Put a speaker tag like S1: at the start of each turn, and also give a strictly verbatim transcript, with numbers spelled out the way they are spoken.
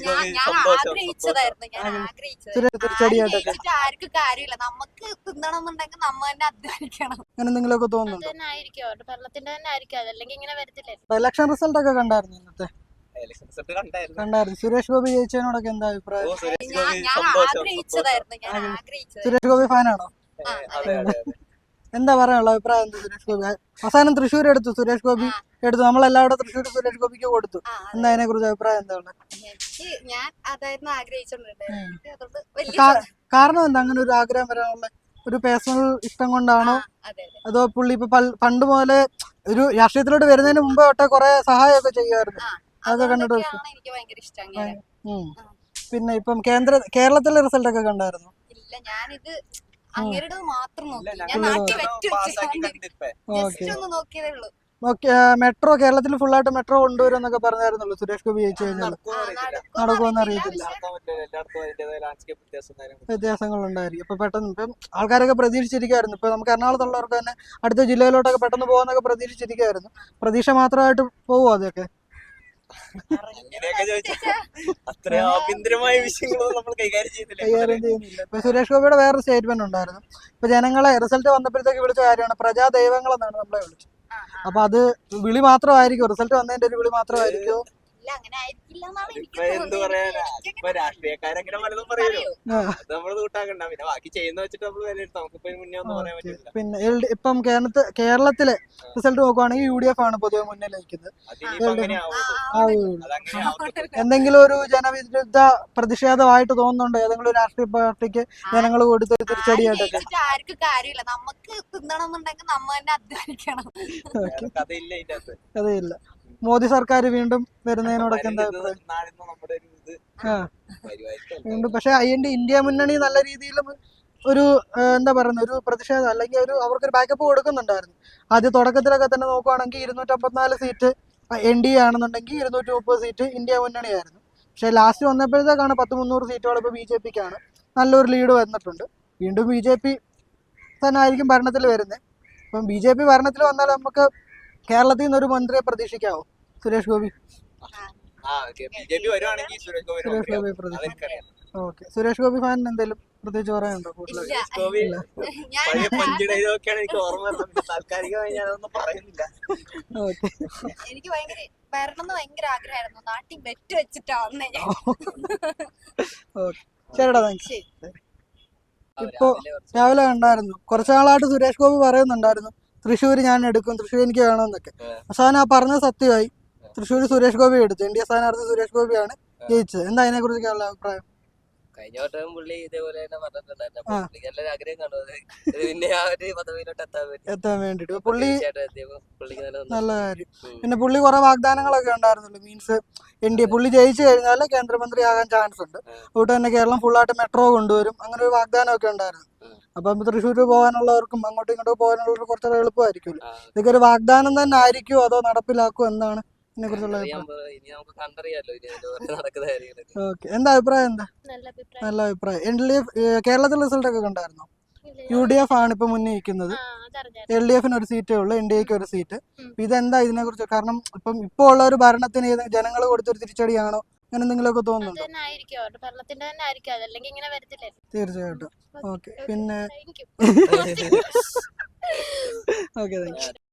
S1: ആഗ്രഹിച്ചതായിരുന്നു ഞാൻ ആഗ്രഹിച്ചത് ആർക്കും കാര്യമില്ല. നമുക്ക് തിന്നണം എന്നുണ്ടെങ്കിൽ നമ്മ തന്നെ അധ്വാനിക്കണം.
S2: അങ്ങനെ എന്തെങ്കിലുമൊക്കെ തോന്നുന്നുണ്ടോ?
S1: ഭരണത്തിന്റെ തന്നെ ആയിരിക്കും, അതല്ലെങ്കിൽ ഇങ്ങനെ വരത്തില്ലേ.
S2: ഇലക്ഷൻ റിസൾട്ട് ഒക്കെ കണ്ടായിരുന്നു ഇന്നത്തെ? കണ്ടായിരുന്നു. സുരേഷ് ഗോപി ജയിച്ചതിനോടൊക്കെ എന്താ അഭിപ്രായം?
S1: ആഗ്രഹിച്ചതായിരുന്നു ഞാൻ ആഗ്രഹിച്ചത്.
S2: സുരേഷ് ഗോപി ഫാനാണോ? എന്താ പറയാനുള്ള അഭിപ്രായം എന്താ? സുരേഷ് ഗോപി അവസാനം തൃശ്ശൂർ എടുത്തു, സുരേഷ് ഗോപി എടുത്തു, നമ്മളെല്ലാവരും തൃശ്ശൂർ സുരേഷ് ഗോപിക്ക് കൊടുത്തു. എന്താ അതിനെ കുറിച്ച് അഭിപ്രായം എന്താ?
S1: ഞാൻ അതായിരുന്നു ആഗ്രഹിച്ചോണ്ടിരുന്നത്.
S2: കാരണം എന്താ അങ്ങനെ ഒരു ആഗ്രഹം വരാനുള്ള? ഒരു പേഴ്സണൽ ഇഷ്ടം കൊണ്ടാണോ, അതോ പുള്ളി ഇപ്പൊ പണ്ട് മുതലേ ഒരു രാഷ്ട്രീയത്തിലോട്ട് വരുന്നതിന് മുമ്പ് തൊട്ടേ കുറെ സഹായമൊക്കെ ചെയ്യുമായിരുന്നു, അതൊക്കെ കണ്ടിട്ട്? പിന്നെ ഇപ്പം കേന്ദ്ര കേരളത്തിലെ റിസൾട്ട് ഒക്കെ കണ്ടായിരുന്നു?
S1: ഇല്ല, ഞാനിത് അങ്ങേരുടെ മാത്രം നോക്കി. ഞാൻ നാട്ടിൽ ഒന്ന് നോക്കിയതേ ഉള്ളൂ.
S2: മെട്രോ കേരളത്തിൽ ഫുൾ ആയിട്ട് മെട്രോ കൊണ്ടുവരും എന്നൊക്കെ പറഞ്ഞായിരുന്നല്ലോ സുരേഷ് ഗോപി ജയിച്ചു കഴിഞ്ഞാൽ. നടക്കുമെന്ന് അറിയത്തില്ല, വ്യത്യാസങ്ങൾ ഉണ്ടായിരിക്കും. ഇപ്പൊ പെട്ടെന്ന് ഇപ്പം ആൾക്കാരൊക്കെ പ്രതീക്ഷിച്ചിരിക്കുവായിരുന്നു. ഇപ്പൊ നമുക്ക് എറണാകുളത്തുള്ളവർക്ക് തന്നെ അടുത്ത ജില്ലയിലോട്ടൊക്കെ പെട്ടെന്ന് പോകുന്നൊക്കെ പ്രതീക്ഷിച്ചിരിക്കുവായിരുന്നു. പ്രതീക്ഷ മാത്രമായിട്ട് പോകുമോ അതൊക്കെ? കൈകാര്യം ചെയ്യുന്നില്ല. ഇപ്പൊ സുരേഷ് ഗോപിയുടെ വേറൊരു സ്റ്റേറ്റ്മെന്റ് ഉണ്ടായിരുന്നു. ഇപ്പൊ ജനങ്ങളെ റിസൾട്ട് വന്നപ്പോഴത്തേക്ക് വിളിച്ച കാര്യമാണ് പ്രജാ ദൈവങ്ങൾ എന്നാണ് നമ്മളെ വിളിച്ചത്. അപ്പൊ അത് വിളി മാത്രമായിരിക്കും, റിസൾട്ട് വന്നതിന്റെ ഒരു വിളി മാത്രമായിരിക്കും. പിന്നെ ഇപ്പം കേരളത്തിൽ കേരളത്തിലെ റിസൾട്ട് നോക്കുവാണെങ്കിൽ യു ഡി എഫ് ആണ് പൊതുവെ മുന്നിൽ നിൽക്കുന്നത്. എന്തെങ്കിലും ഒരു ജനവിരുദ്ധ പ്രതിഷേധമായിട്ട് തോന്നുന്നുണ്ടോ ഏതെങ്കിലും രാഷ്ട്രീയ പാർട്ടിക്ക് ജനങ്ങൾ കൊടുത്തൊരു തിരിച്ചടിയായിട്ടൊക്കെ?
S1: ആർക്കും കാര്യമില്ല, നമുക്ക് തിന്നണം എന്നുണ്ടെങ്കിൽ നമ്മ തന്നെ അധ്വാനിക്കണം.
S2: കഥയില്ല. മോദി സർക്കാർ വീണ്ടും വരുന്നതിനോടൊക്കെ എന്താ അഭിപ്രായം? വീണ്ടും പക്ഷെ അതിന്റെ ഇന്ത്യ മുന്നണി നല്ല രീതിയിലും ഒരു എന്താ പറയുന്ന ഒരു പ്രതിഷേധം അല്ലെങ്കിൽ ഒരു അവർക്കൊരു ബാക്കപ്പ് കൊടുക്കുന്നുണ്ടായിരുന്നു. ആദ്യം തുടക്കത്തിലൊക്കെ തന്നെ നോക്കുവാണെങ്കിൽ ഇരുന്നൂറ്റമ്പത്തിനാല് സീറ്റ് എൻ ഡി എ ആണെന്നുണ്ടെങ്കിൽ ഇരുന്നൂറ്റി മുപ്പത് സീറ്റ് ഇന്ത്യ മുന്നണിയായിരുന്നു. പക്ഷെ ലാസ്റ്റ് വന്നപ്പോഴത്തേക്കാണ് പത്ത് മുന്നൂറ് സീറ്റുകൾ ഇപ്പോൾ ബി ജെ പിക്കാണ് നല്ലൊരു ലീഡ് വന്നിട്ടുണ്ട്. വീണ്ടും ബി ജെ പി തന്നെ ആയിരിക്കും ഭരണത്തിൽ വരുന്നത്. ഇപ്പം ബി ജെ പി ഭരണത്തിൽ വന്നാൽ നമുക്ക് കേരളത്തിൽ നിന്നൊരു മന്ത്രിയെ പ്രതീക്ഷിക്കാവോ? സുരേഷ് ഗോപി സുരേഷ് ഗോപി പ്രതീക്ഷിക്കാം. ഓക്കെ, സുരേഷ് ഗോപി ഫാൻ എന്തെങ്കിലും പ്രത്യേകിച്ച് പറയാനുണ്ടോ?
S1: എനിക്ക് വരണം എന്ന് ഭയങ്കര ആഗ്രഹമായിരുന്നു. നാട്ടിൽ ബെറ്റ് വെച്ചിട്ടാണ്.
S2: ശരിടാ, താങ്ക്സ്. ഇപ്പൊ രാവിലെ കണ്ടായിരുന്നു, കുറച്ചു നാളായിട്ട് സുരേഷ് ഗോപി പറയുന്നുണ്ടായിരുന്നു തൃശ്ശൂർ ഞാൻ എടുക്കും, തൃശ്ശൂർ എനിക്ക് വേണമെന്നൊക്കെ. അവസാനം ആ പറഞ്ഞ സത്യമായി. തൃശ്ശൂർ സുരേഷ് ഗോപി എടുത്തു, എൻ ഡി എ സ്ഥാനാർത്ഥി സുരേഷ് ഗോപിയാണ് ജയിച്ചത്. എന്താ അതിനെ കുറിച്ചൊക്കെയുള്ള അഭിപ്രായം?
S3: കഴിഞ്ഞ വട്ടം പുള്ളി ഇതേപോലെ തന്നെ പറഞ്ഞിട്ടുണ്ടായിരുന്നു. ആഗ്രഹം കാണുന്നത് പിന്നെ ആ ഒരു പദവിയിലോട്ട്
S2: എത്താൻ വേണ്ടിട്ട് പുള്ളി നല്ല കാര്യം. പിന്നെ പുള്ളി കുറെ വാഗ്ദാനങ്ങളൊക്കെ ഉണ്ടായിരുന്നല്ലോ. മീൻസ് എൻ ഡി എ പുള്ളി ജയിച്ചു കഴിഞ്ഞാൽ കേന്ദ്രമന്ത്രി ആകാൻ ചാൻസ് ഉണ്ട്, അതുകൊണ്ട് തന്നെ കേരളം ഫുള്ളായിട്ട് മെട്രോ കൊണ്ടുവരും, അങ്ങനെ ഒരു വാഗ്ദാനമൊക്കെ ഉണ്ടായിരുന്നു. അപ്പം തൃശ്ശൂർ പോകാനുള്ളവർക്കും അങ്ങോട്ടും ഇങ്ങോട്ടും പോകാനുള്ളവർക്ക് കുറച്ചുകൂടെ എളുപ്പമായിരിക്കുമല്ലോ. ഇതൊക്കെ ഒരു വാഗ്ദാനം തന്നെ ആയിരിക്കുമോ അതോ നടപ്പിലാക്കുമോ എന്നാണ് ഇതിനെ കുറിച്ചുള്ള ഓക്കെ. എന്താ അഭിപ്രായം? എന്താ നല്ല അഭിപ്രായം. എൽ ഡി എഫ് കേരളത്തിലെ റിസൾട്ട് ഒക്കെ കണ്ടായിരുന്നോ? യു ഡി എഫ് ആണ് ഇപ്പൊ മുന്നിൽ നിൽക്കുന്നത്. എൽ ഡി എഫിന് ഒരു സീറ്റേ ഉള്ളൂ, എൻ ഡി എക്ക് ഒരു സീറ്റ്. ഇതെന്താ ഇതിനെ കുറിച്ച്? കാരണം ഇപ്പം ഇപ്പൊ ഉള്ള ഒരു ഭരണത്തിന് ജനങ്ങൾ കൊടുത്തൊരു തിരിച്ചടിയാണോ, അങ്ങനെ എന്തെങ്കിലുമൊക്കെ തോന്നുന്നുണ്ടോ? തീർച്ചയായിട്ടും. ഓക്കെ, പിന്നെ ഓക്കെ, താങ്ക് യു.